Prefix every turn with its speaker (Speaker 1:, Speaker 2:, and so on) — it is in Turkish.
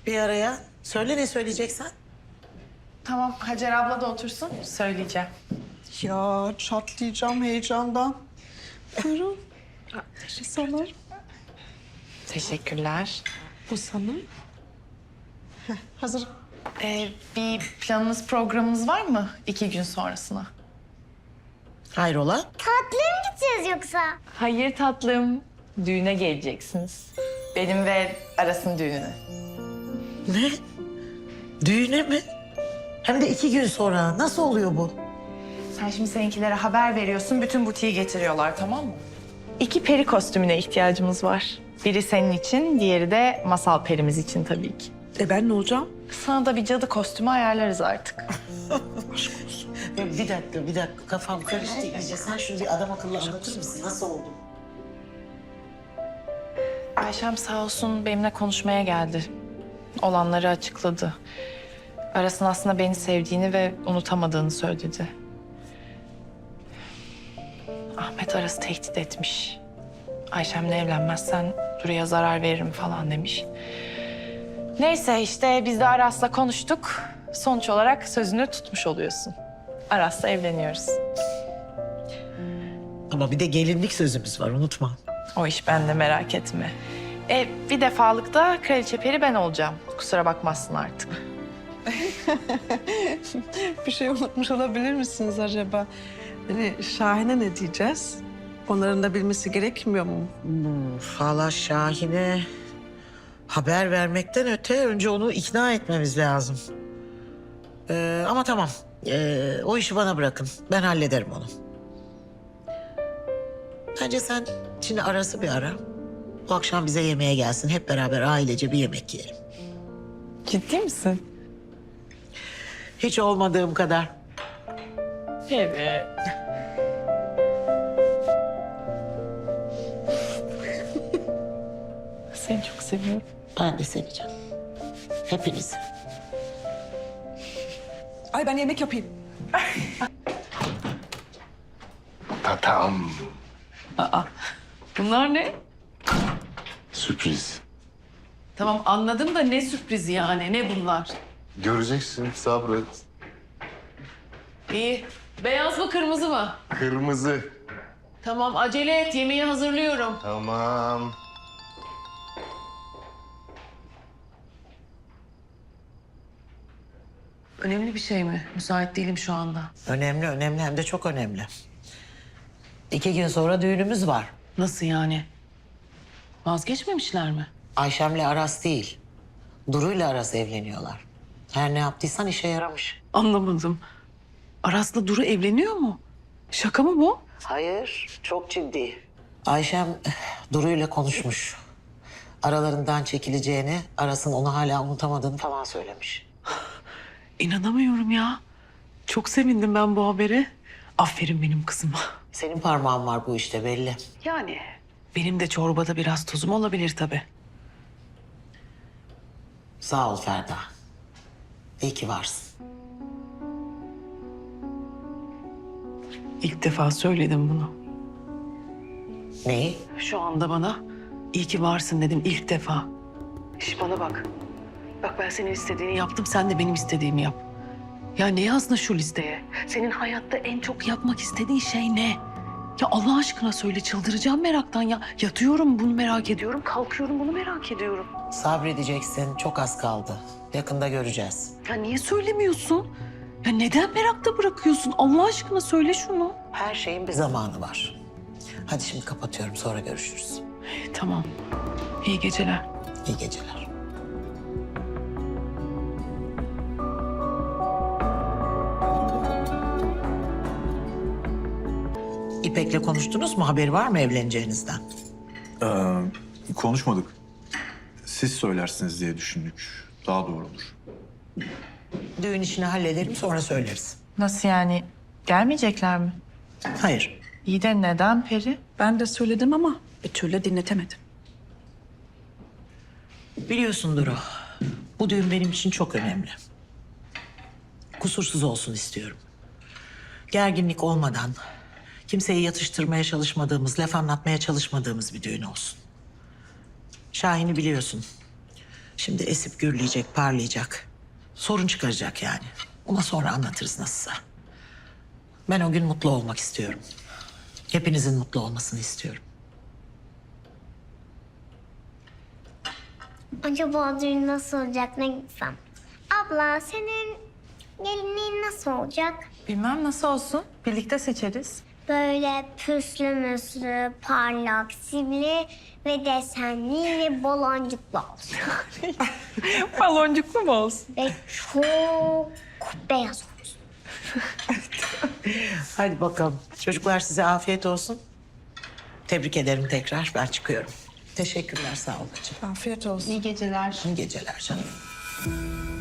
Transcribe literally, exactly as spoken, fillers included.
Speaker 1: bir araya. Söyle ne söyleyeceksen.
Speaker 2: Tamam, Hacer abla da otursun. Söyleyeceğim.
Speaker 3: Ya çatlayacağım heyecandan. Buyurun. Bu sana.
Speaker 2: Teşekkürler.
Speaker 3: Bu sana. Heh, hazır.
Speaker 2: Ee, bir planınız, programınız var mı iki gün sonrasına?
Speaker 1: Hayrola?
Speaker 4: Tatlıya mı gideceğiz yoksa?
Speaker 2: Hayır tatlım. Düğüne geleceksiniz. Benim ve Aras'ın düğününe.
Speaker 1: Ne? Düğüne mi? Hem de iki gün sonra. Nasıl oluyor bu?
Speaker 2: Sen şimdi seninkilere haber veriyorsun, bütün butiği getiriyorlar, tamam mı? İki peri kostümüne ihtiyacımız var. Biri senin için, diğeri de masal perimiz için tabii ki.
Speaker 3: E ben ne olacağım?
Speaker 2: Sana da bir cadı kostümü ayarlarız artık.
Speaker 1: Ya bir dakika, bir dakika. Kafam karıştı iyice. Sen şunu bir adam akıllı anlatır mısın? Nasıl oldu?
Speaker 2: Ayşem sağ olsun benimle konuşmaya geldi. Olanları açıkladı. Aras'ın aslında beni sevdiğini ve unutamadığını söyledi. Ahmet Aras'ı tehdit etmiş. Ayşem'le evlenmezsen Duru'ya zarar veririm falan demiş. Neyse işte biz de Aras'la konuştuk. Sonuç olarak sözünü tutmuş oluyorsun. Aras'la evleniyoruz.
Speaker 1: Ama bir de gelinlik sözümüz var, unutma.
Speaker 2: O iş bende, merak etme. E, bir defalık da kraliçe peri ben olacağım. Kusura bakmazsın artık.
Speaker 3: Bir şey unutmuş olabilir misiniz acaba? Hani Şahin'e ne diyeceğiz? Onların da bilmesi gerekmiyor mu?
Speaker 1: Valla Şahin'e haber vermekten öte önce onu ikna etmemiz lazım. Ee, ama tamam. Ee, o işi bana bırakın. Ben hallederim onu. Bence sen şimdi Aras'ı bir ara. Bu akşam bize yemeğe gelsin. Hep beraber ailece bir yemek yiyelim.
Speaker 2: Ciddi misin?
Speaker 1: Hiç olmadığım kadar.
Speaker 2: Evet. Seni çok seviyorum.
Speaker 1: Ben de seveceğim. Hepinizi.
Speaker 3: Ay ben yemek yapayım.
Speaker 5: Tatam.
Speaker 6: Bunlar ne?
Speaker 5: Sürpriz.
Speaker 6: Tamam anladım da ne sürprizi yani, ne bunlar?
Speaker 5: Göreceksin, sabret.
Speaker 6: İyi. Beyaz mı kırmızı mı?
Speaker 5: Kırmızı.
Speaker 6: Tamam acele et, yemeği hazırlıyorum.
Speaker 5: Tamam.
Speaker 6: Önemli bir şey mi? Müsait değilim şu anda.
Speaker 1: Önemli, önemli hem de çok önemli. İki gün sonra düğünümüz var.
Speaker 6: Nasıl yani? Vazgeçmemişler mi?
Speaker 1: Ayşem'le Aras değil. Duru'yla Aras evleniyorlar. Her ne yaptıysan işe yaramış.
Speaker 6: Anlamadım. Aras'la Duru evleniyor mu? Şaka mı bu?
Speaker 1: Hayır, çok ciddi. Ayşem eh, Duru'yla konuşmuş. Aralarından çekileceğini, Aras'ın onu hala unutamadığını falan söylemiş.
Speaker 6: İnanamıyorum ya. Çok sevindim ben bu habere. Aferin benim kızıma.
Speaker 1: Senin parmağın var bu işte belli.
Speaker 6: Yani benim de çorbada biraz tuzum olabilir tabii.
Speaker 1: Sağ ol Ferda. İyi ki varsın.
Speaker 6: İlk defa söyledim bunu.
Speaker 1: Neyi?
Speaker 6: Şu anda bana iyi ki varsın dedim ilk defa. İş bana bak. Bak ben senin istediğini yaptım, sen de benim istediğimi yap. Ya ne yazdın şu listeye? Senin hayatta en çok yapmak istediğin şey ne? Ya Allah aşkına söyle, çıldıracağım meraktan ya. Yatıyorum bunu merak ediyorum, kalkıyorum bunu merak ediyorum.
Speaker 1: Sabredeceksin, çok az kaldı. Yakında göreceğiz.
Speaker 6: Ya niye söylemiyorsun? Ya neden merakta bırakıyorsun? Allah aşkına söyle şunu.
Speaker 1: Her şeyin bir zamanı var. Hadi şimdi kapatıyorum, sonra görüşürüz.
Speaker 6: Tamam. İyi geceler.
Speaker 1: İyi geceler. İpek'le konuştunuz mu? Haberi var mı evleneceğinizden?
Speaker 7: Ee, konuşmadık. Siz söylersiniz diye düşündük. Daha doğru olur.
Speaker 1: Düğün işini hallederim, sonra söyleriz.
Speaker 2: Nasıl yani? Gelmeyecekler mi?
Speaker 1: Hayır.
Speaker 2: İyi de neden Peri?
Speaker 3: Ben de söyledim ama bir türlü dinletemedim.
Speaker 1: Biliyorsun Duru, bu düğün benim için çok önemli. Kusursuz olsun istiyorum. Gerginlik olmadan, kimseyi yatıştırmaya çalışmadığımız, laf anlatmaya çalışmadığımız bir düğün olsun. Şahin'i biliyorsun. Şimdi esip gürleyecek, parlayacak. Sorun çıkaracak yani. Ona sonra anlatırız nasılsa. Ben o gün mutlu olmak istiyorum. Hepinizin mutlu olmasını istiyorum.
Speaker 4: Acaba düğün nasıl olacak, ne gitsem? Abla, senin gelinliğin nasıl olacak?
Speaker 2: Bilmem nasıl olsun. Birlikte seçeriz.
Speaker 4: Böyle püslü müslü, parlak, sivri ve desenli ve baloncuklu olsun.
Speaker 2: Baloncuklu mu olsun?
Speaker 4: Ve çok beyaz olsun.
Speaker 1: Hadi bakalım. Çocuklar size afiyet olsun. Tebrik ederim tekrar. Ben çıkıyorum. Teşekkürler, sağ olun.
Speaker 3: Afiyet olsun.
Speaker 2: İyi geceler.
Speaker 1: İyi geceler canım.